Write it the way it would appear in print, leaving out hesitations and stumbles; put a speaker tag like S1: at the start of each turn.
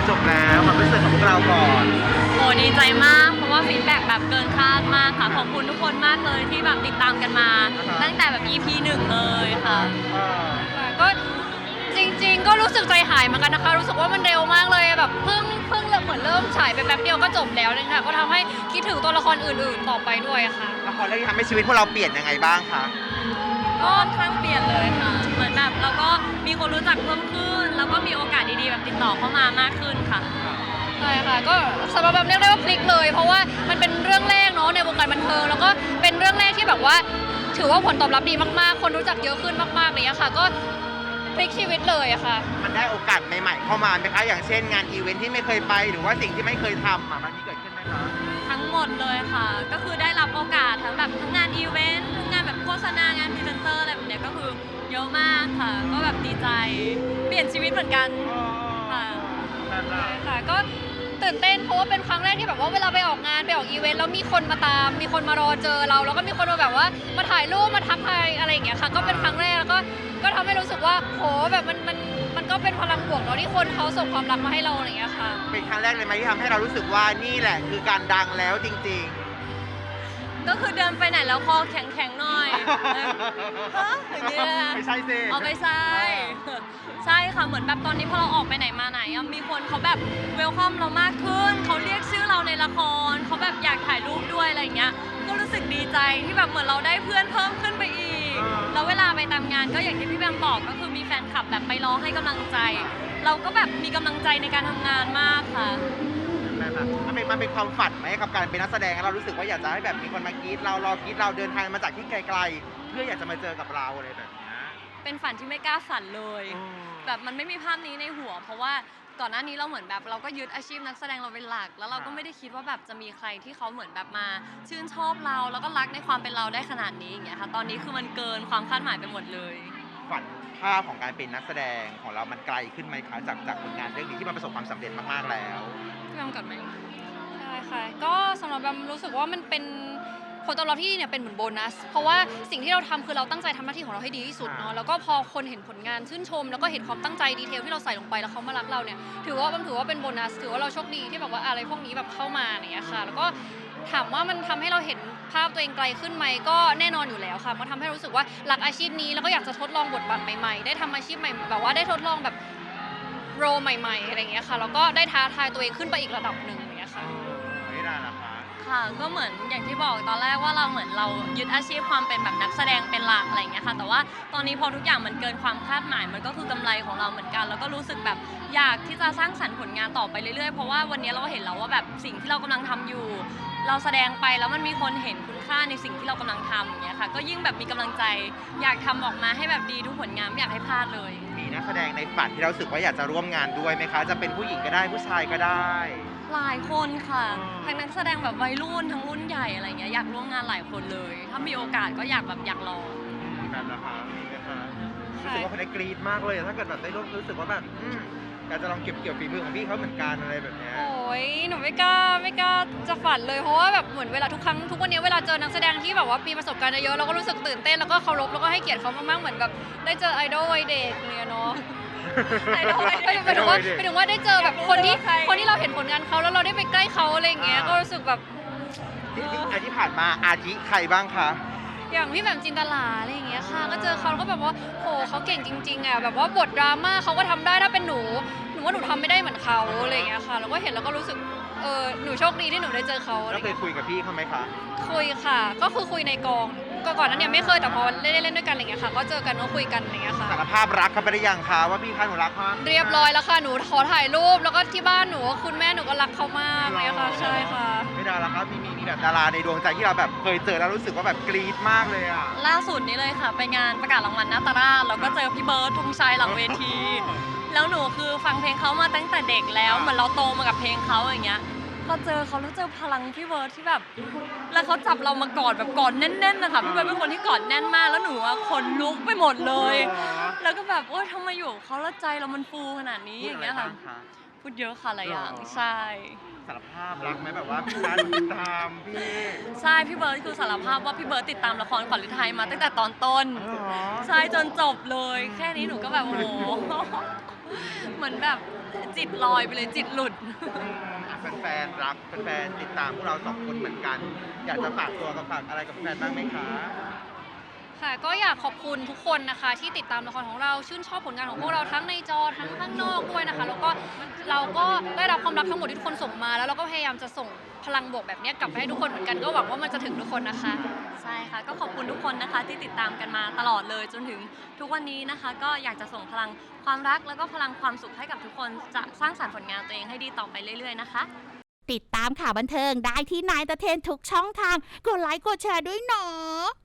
S1: จบแล้วความรู้สึกของพวกเราก่อน
S2: โอ้ดีใจมากเพราะว่าฟีดแบ็กแบบเกินคาดมากค่ะขอบคุณทุกคนมากเลยที่แบบติดตามกันมา ตั้งแต่แบบ EP 1เลยค่ะก็จริงๆก็รู้สึกใจหายเหมือนกันนะคะรู้สึกว่ามันเร็วมากเลยแบบเพิ่งเหมือนเริ่มฉายไปแป๊บเดียวก็จบแล้วเลยค่ะก็ทำให้คิดถึงตัวละครอื่นๆต่อไปด้วยค่ะ
S1: ละครเรื่องนี้ทำให้ชีวิตพวกเราเปลี่ยนยังไงบ้างคะ
S2: ก็ค่อนข้างเปลี่ยนเลยค่ะเหมือนแบบเราก็มีคนรู้จักเพิ่มขึ้นแล้วก็มีโอกาสดีๆแบบติดต่อเข้ามามากขึ้นค่ะใช่ค่ะก็สำหรับแบบเรียกได้ว่าพลิกเลยเพราะว่ามันเป็นเรื่องแรกเนาะในวงการบันเทิงแล้วก็เป็นเรื่องแรกที่แบบว่าถือว่าผลตอบรับดีมากๆคนรู้จักเยอะขึ้นมากๆเลยค่ะก็พลิกชีวิตเลยอะค่ะ
S1: มันได้โอกาสใหม่ๆเข้ามาไหมคะอย่างเช่นงานอีเวนท์ที่ไม่เคยไปหรือว่าสิ่งที่ไม่เคยทำมันมีเกิดขึ้นไหมคะ
S2: ทั้งหมดเลยค่ะก็คือได้รับโอกาสทั้งแบบทั้งงานอีเวนต์ทั้งงานแบบโฆษณางานพรีเซนเตอร์อะไรแบบเนี้ยก็คือเยอะมากค่ะก็แบบดีใจเปลี่ยนชีวิตเหมือนกันค่ะใช่ค่ะก็ตื่นเต้นเพราะว่าเป็นครั้งแรกที่แบบว่าเวลาไปออกงานไปออกอีเวนต์แล้วมีคนมาตามมีคนมารอเจอเราแล้วก็มีคนมาแบบว่ามาถ่ายรูปมาทักทายอะไรอย่างเงี้ยค่ะก็เป็นครั้งแรกแล้วก็ทำให้รู้สึกว่าโหแบบมันก็เป็นพลังบวกเนาะที่คนเขาส่งความรักมาให้เราอะไรอย่างเงี้ยค่ะ
S1: เป็นครั้งแรกเลยไหมที่ทำให้เรารู้สึกว่านี่แหละคือการดังแล้วจริง
S2: ก็คือเดินไปไหนแล้วคอแข็งๆหน่อยฮะอย่างเงี้ย
S1: ไม่ใช่สิ
S2: เอาไม่ใช่ใช่ค่ะเหมือนแบบตอนนี้พอเราออกไปไหนมาไหนมีคนเขาแบบเวลคัมเรามากขึ้นเขาเรียกชื่อเราในละครเขาแบบอยากถ่ายรูปด้วยอะไรอย่างเงี้ยก็รู้สึกดีใจที่แบบเหมือนเราได้เพื่อนเพิ่มขึ้นไปอีกแล้วเวลาไปตามงานก็อย่างที่พี่แบมบอกก็คือมีแฟนคลับแบบไปรอให้กำลังใจ เราก็แบบมีกำลังใจในการทำงานมากค่ะ
S1: มันเป็นความฝันไหมกับการเป็นนักแสดงเรารู้สึกว่าอยากจะให้แบบมีคนมากรี๊ดเรารอกรี๊ดเราเดินทางมาจากที่ไกลๆเพื่ออยากจะมาเจอกับเราอะไรแบบนี้
S2: เป็นฝันที่ไม่กล้าฝันเลยแบบมันไม่มีภาพนี้ในหัวเพราะว่าก่อนหน้านี้เราเหมือนแบบเราก็ยึดอาชีพนักแสดงเราเป็นหลักแล้วเราก็ไม่ได้คิดว่าแบบจะมีใครที่เขาเหมือนแบบมาชื่นชอบเราแล้วก็รักในความเป็นเราได้ขนาดนี้อย่างเงี้ยค่ะตอนนี้คือมันเกินความคาดหมายไปหมดเลย
S1: ฝันภาพของการเป็นนักแสดงของเรามันไกลขึ้นไหมคะจากผลงานเรื่องนี้ที่มันประสบความสำเร็จมากๆแล้ว
S2: พี่แบมก่อนไหมใช่ค่ะก็สำหรับแบมรู้สึกว่ามันเป็นผลตอบรับที่ดีเนี่ยเป็นเหมือนโบนัสเพราะว่าสิ่งที่เราทำคือเราตั้งใจทำหน้าที่ของเราให้ดีที่สุดเนาะแล้วก็พอคนเห็นผลงานชื่นชมแล้วก็เห็นความตั้งใจดีเทลที่เราใส่ลงไปแล้วเขามารักเราเนี่ยถือว่าเป็นโบนัสถือว่าเราโชคดีที่แบบว่าอะไรพวกนี้แบบเข้ามาอย่างเงี้ยค่ะแล้วก็ถามว่ามันทำให้เราเห็นภาพตัวเองไกลขึ้นไหมก็แน่นอนอยู่แล้วค่ะมันทำให้รู้สึกว่ารักอาชีพนี้แล้วก็อยากจะทดลองบทบาทใหม่ๆได้ทำอาชีพใหม่แบบว่าได้ทดลองแบบโรใหม่ๆอะไรอย่างเงี้ยค่ะแล้วก็ได้ท้าทายตัวเองขึ้นไปอีกระดับหนึ่งอย่างเงี้ยค่ะ
S1: ไม่ได้ละคะ
S2: ค่ะก็เหมือนอย่างที่บอกตอนแรกว่าเราเหมือนเรายึดอาชีพความเป็นแบบนักแสดงเป็นหลักอะไรอย่างเงี้ยค่ะแต่ว่าตอนนี้พอทุกอย่างมันเกินความคาดหมายมันก็คือกำไรของเราเหมือนกันแล้วก็รู้สึกแบบอยากที่จะสร้างสรรค์ผลงานต่อไปเรื่อยๆเพราะว่าวันนี้เราเห็นแล้วว่าแบบสิ่งที่เรากำลังทำอยู่เราแสดงไปแล้วมันมีคนเห็นคุณค่าในสิ่งที่เรากำลังทำอย่างเงี้ยค่ะก็ยิ่งแบบมีกำลังใจอยากทำออกมาให้แบบดีทุกผลงานไม่อยากให้พลาดเลย
S1: มีนักแสดงในฝันที่เรารู้สึกว่าอยากจะร่วมงานด้วยไหมคะจะเป็นผู้หญิงก็ได้ผู้ชายก็ได้
S2: หลายคนค่ะทั้งนักแสดงแบบวัยรุ่นทั้งรุ่นใหญ่อะไรเงี้ยอยากร่วมงานหลายคนเลยถ้ามีโอกาสก็อยากลอง
S1: แบบนะคะมีไหมคะรู้สึกว่าคนได้กรี๊ดมากเลยถ้าเกิดแบบได้ร่วมรู้สึกว่าแบบอยากจะลองเก็บเกี่ยวฝีมือของพี่เขาเหมือนกันอะไรแบบนี้
S2: โอ้ยหนูไม่กล้าจะฝันเลยเพราะว่าแบบเหมือนเวลาทุกวันนี้เวลาเจอนักแสดงที่แบบว่ามีประสบการณ์เยอะเราก็รู้สึกตื่นเต้นแล้วก็เคารพแล้วก็ให้เกียรติเขามากๆเหมือนแบบได้เจอไอดอลวัยเด็กเนี่ยเนาะหมายถึงว่าได้เจอแบบคนที่เราเห็นผลงานเขาแล้วเราได้ไปใกล้เขาอะไรอย่างเงี้ยก็รู้สึกแบบ
S1: ที่ผ่านมาอาทิใครบ้างคะ
S2: อย่างพี่แหม่มจินตลาอะไรอย่างเงี้ยค่ะก็เจอเขาแล้วก็แบบว่าโหเขาเก่งจริงๆอ่ะแบบว่าบทดราม่าเขาก็ทำได้ถ้าเป็นหนูว่าหนูทำไม่ได้เหมือนเขาอะไรอย่างเงี้ยค่ะแล้วก็เห็นแล้วก็รู้สึกหนูโชคดีที่หนูได้เจอเขา
S1: แล้วเคยคุยกับพี่เขาไหมคะ
S2: คุยค่ะก็คือคุยในกองก่อนนั้นเนี่ยไม่เคยแต่พอเล่นด้วยกันอะไรเงี้ยค่ะก็เจอกันก็คุยกันอะไรเงี้ยค่ะ
S1: สารภาพรักเขาไปได้ยังคะว่าพี่คะหนูรักเขา
S2: เรียบร้อยแล้วค่ะหนูขอถ่ายรูปแล้วก็ที่บ้านหนูคุณแม่หนูก็รักเขามากเลยค่ะใช่ค่ะ
S1: ไม่ได้แล้วครับมีแบบดาราในดวงใจที่เราแบบเคยเจอแล้วรู้สึกว่าแบบกรี๊ดมากเลยอ่ะ
S2: ล่าสุดนี้เลยค่ะไปงานประกาศรางวัลนาตราชแล้วก็เจอพี่เบิร์ดธงชัยหลังเวทีแล้วหนูคือฟังเพลงเขามาตั้งแต่เด็กแล้วเหมือนเราโตมากับเพลงเขาอย่างเงี้ยพอเจอเขาแล้วเจอพลังพี่เบิร์ดที่แบบแล้วเขาจับเรามากอดแบบกอดแน่นๆนะคะพี่เบิร์ดเป็นคนที่กอดแน่นมากแล้วหนูอะขนลุกไปหมดเลยแล้วก็แบบโอ๊ยทำไมอยู่เขาแล้วใจเรามันฟูขนาดนี้อย่างเงี้ยค่ะพูดเยอะค่ะหลายอย่างใช่
S1: สารภาพรักไหมแบบว่าพี่นัทติดตามพี่
S2: ใช่พี่เบิร์ดคือสารภาพว่าพี่เบิร์ดติดตามละครขวัญฤทัยมาตั้งแต่ตอนต้นใช่จนจบเลยแค่นี้หนูก็แบบโอ้โหเหมือนแบบ
S3: จิตลอยไปเลยจิตหลุด
S1: แฟนๆรักแฟนๆติดตามพวกเราสองคนเหมือนกัน อยากจะฝากตัวกับฝากอะไรกับแฟนบ้างไหมคะ
S2: ค่ะก็อยากขอบคุณทุกคนนะคะที่ติดตามละครของเราชื่นชอบผลงานของพวกเราทั้งในจอทั้งข้างนอกด้วยนะคะแล้วก็เราก็ได้รับความรักทั้งหมดที่ทุกคนส่งมา แล้วเราก็พยายามจะส่งพลังบวกแบบนี้กลับไปให้ทุกคนเหมือนกันก็หวังว่ามันจะถึงทุกคนนะคะ
S3: ใช่ค่ะก็ขอบคุณทุกคนนะคะที่ติดตามกันมาตลอดเลยจนถึงทุกวันนี้นะคะ ก็อยากจะส่งพลังความรักแล้วก็พลังความสุขให้กับทุกคนจะสร้างสรรค์ผลงานตัวเองให้ดีต่อไปเรื่อยๆนะคะ
S4: ติดตามข่าวบันเทิงได้ที่นายตะเทนทุกช่องทาง กดไลค์กดแชร์ด้วยเนาะ